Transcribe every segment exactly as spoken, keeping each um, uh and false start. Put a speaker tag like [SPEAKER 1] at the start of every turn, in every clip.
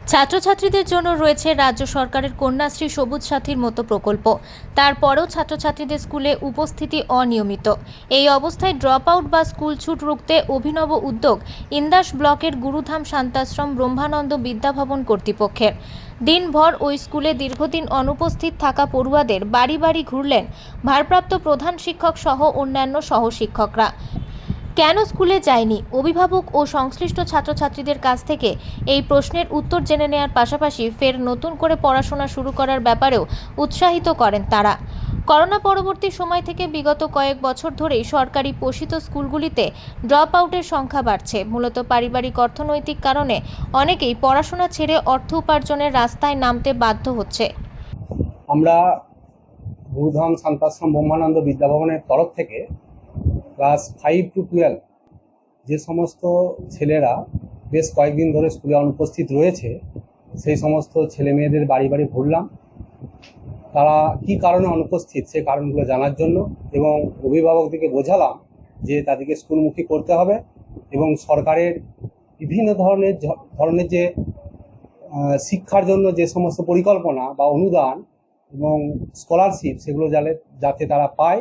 [SPEAKER 1] ছাত্রছাত্রীদের জন্য রয়েছে রাজ্য সরকারের কন্যাশ্রী সবুজ সাথীর মতো প্রকল্প। তারপরেও ছাত্রছাত্রীদের স্কুলে উপস্থিতি অনিয়মিত। এই অবস্থায় ড্রপ আউট বা স্কুল ছুট রুখতে অভিনব উদ্যোগ ইন্দাস ব্লকের গুরুধাম শান্তাশ্রম ব্রহ্মানন্দ বিদ্যাভবন কর্তৃপক্ষের। দিনভর ওই স্কুলে দীর্ঘদিন অনুপস্থিত থাকা পড়ুয়াদের বাড়ি বাড়ি ঘুরলেন ভারপ্রাপ্ত প্রধান শিক্ষক সহ অন্যান্য সহশিক্ষকরা। কেন স্কুলে যায়নি, অভিভাবক ও সংশ্লিষ্ট ছাত্রছাত্রীদের কাছ থেকে এই প্রশ্নের উত্তর জেনে নেওয়ার পাশাপাশি ফের নতুন করে পড়াশোনা শুরু করার ব্যাপারেও উৎসাহিত করেন তারা। করোনা পরবর্তী সময় থেকে বিগত কয়েক বছর ধরেই সরকারি পোষিত স্কুলগুলিতে ড্রপ আউটের সংখ্যা বাড়ছে। মূলত পারিবারিক অর্থনৈতিক কারণে অনেকেই পড়াশোনা ছেড়ে অর্থ উপার্জনের রাস্তায় নামতে বাধ্য হচ্ছে।
[SPEAKER 2] আমরা গুরুধাম শান্তাশ্রম ব্রহ্মানন্দ বিদ্যাভবনের তরফ থেকে ক্লাস ফাইভ টু টুয়েলভ যে সমস্ত ছেলেরা বেশ কয়েকদিন ধরে স্কুলে অনুপস্থিত রয়েছে, সেই সমস্ত ছেলে মেয়েদের বাড়ি বাড়ি ঘুরলাম। তারা কি কারণে অনুপস্থিত সে কারণগুলো জানার জন্য, এবং অভিভাবকদেরকে বোঝালাম যে তাদেরকে স্কুলমুখী করতে হবে এবং সরকারের বিভিন্ন ধরনের ধরনের যে শিক্ষার জন্য যে সমস্ত পরিকল্পনা বা অনুদান এবং স্কলারশিপ সেগুলো যাতে যাতে তারা পায়,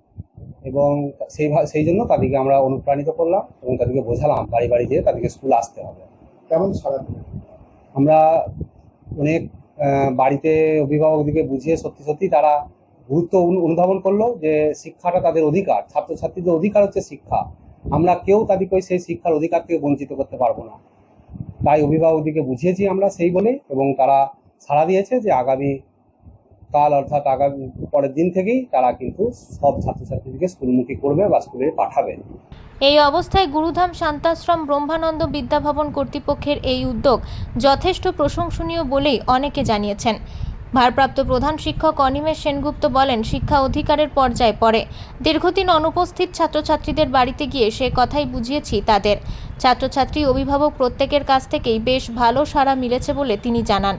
[SPEAKER 2] এবং সেই সেই জন্য তাদেরকে আমরা অনুপ্রাণিত করলাম এবং তাদেরকে বোঝালাম বাড়ি বাড়ি যেয়ে তাদেরকে স্কুল আসতে হবে।
[SPEAKER 3] কেমন সারা
[SPEAKER 2] আমরা অনেক বাড়িতে অভিভাবকদেরকে বুঝিয়ে সত্যি সত্যি তারা গুরুত্ব অনুধাবন করলো যে শিক্ষাটা তাদের অধিকার, ছাত্রছাত্রীদের অধিকার হচ্ছে শিক্ষা। আমরা কেউ তাদেরকে সেই শিক্ষার অধিকার থেকে বঞ্চিত করতে পারবো না। তাই অভিভাবকদেরকে বুঝিয়েছি আমরা সেই বলে, এবং তারা সাড়া দিয়েছে যে আগামী কাল অর্থাৎ আগামী পরের দিন থেকেই তারা কিন্তু সব ছাত্রছাত্রীদেরকে স্কুলমুখী করবে বা স্কুলে পাঠাবে।
[SPEAKER 1] এই অবস্থায় গুরুধাম শান্তাশ্রম ব্রহ্মানন্দ বিদ্যাভবন কর্তৃপক্ষের এই উদ্যোগ যথেষ্ট প্রশংসনীয় বলেই অনেকে জানিয়েছেন। ভারপ্রাপ্ত প্রধান শিক্ষক অনিমেষ সেনগুপ্ত বলেন, শিক্ষা অধিকারের পর্যায়ে পড়ে। দীর্ঘদিন অনুপস্থিত ছাত্রছাত্রীদের বাড়িতে গিয়ে সে কথাই বুঝিয়েছি তাদের। ছাত্রছাত্রী অভিভাবক প্রত্যেকের কাছ থেকেই বেশ ভালো সাড়া মিলেছে বলে তিনি জানান।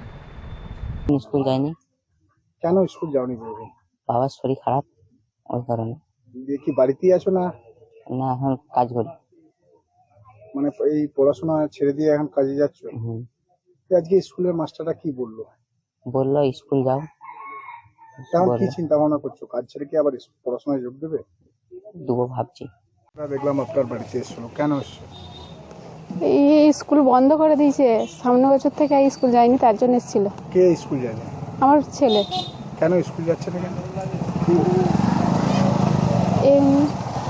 [SPEAKER 4] স্কুল যায়নি।
[SPEAKER 3] কেন স্কুল যাওনি বলবে?
[SPEAKER 4] বাবার শরীর খারাপ, ওই কারণে।
[SPEAKER 3] দেখি বাড়িতেই আছো না?
[SPEAKER 4] না, এখন কাজ করি।
[SPEAKER 3] মানে এই পড়াশোনা ছেড়ে দিয়ে এখন কাজে যাচ্ছ?
[SPEAKER 4] হুম।
[SPEAKER 3] আজকে স্কুলের মাস্টাররা কি বললো?
[SPEAKER 4] বললো স্কুল যাও।
[SPEAKER 3] এখন কি চিন্তা ভাবনা করছো? কাজ ছেড়ে কি আবার পড়াশোনায় যোগ দেবে?
[SPEAKER 4] দেবো ভাবছি।
[SPEAKER 3] দেখলাম আপনার বাড়িতে এসেছিল, কেন এসছো?
[SPEAKER 5] এই স্কুল বন্ধ করে দিয়েছে, সামনের বছর থেকে স্কুল যায়নি, তার জন্য এসেছিল।
[SPEAKER 3] কে স্কুল যায়নি?
[SPEAKER 5] আমার ছেলে।
[SPEAKER 3] কেন স্কুল যাচ্ছে না কেন?
[SPEAKER 5] এমনি।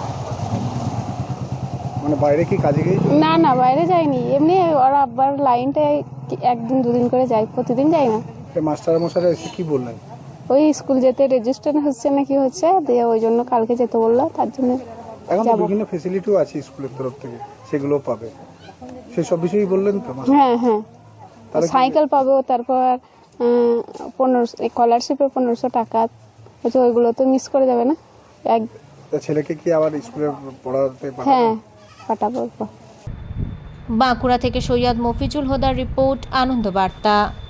[SPEAKER 3] মানে বাইরে কি কাজে গিয়েছো?
[SPEAKER 5] না না, বাইরে যায়নি, এমনি ওরা আব্বার লাইনটা একদিন দুদিন করে যায়, প্রতিদিন যায় না।
[SPEAKER 3] মাস্টার মশাইরা এসে কি বললেন?
[SPEAKER 5] ওই স্কুল যেতে রেজিস্ট্রেশন হচ্ছে না কি হচ্ছে, দিয়ে ওই জন্য কালকে যেতে বললো, তার জন্য।
[SPEAKER 3] এখন তো বিভিন্ন ফ্যাসিলিটিও আছে স্কুলের তরফ থেকে, সেগুলো পাবে, সেই সব বিষয়ই বললেন তো?
[SPEAKER 5] হ্যাঁ হ্যাঁ, সাইকেল পাবো, তারপর পনেরোশো স্কলারশিপে পনেরোশো টাকা, ওইগুলো তো মিস করে যাবে না। এক
[SPEAKER 3] ছেলেকে কি আবার স্কুলে পড়াতে?
[SPEAKER 5] হ্যাঁ, পাঠাবো।
[SPEAKER 1] বাঁকুড়া থেকে সৈয়দ মফিজুল হুদার রিপোর্ট, আনন্দ বার্তা।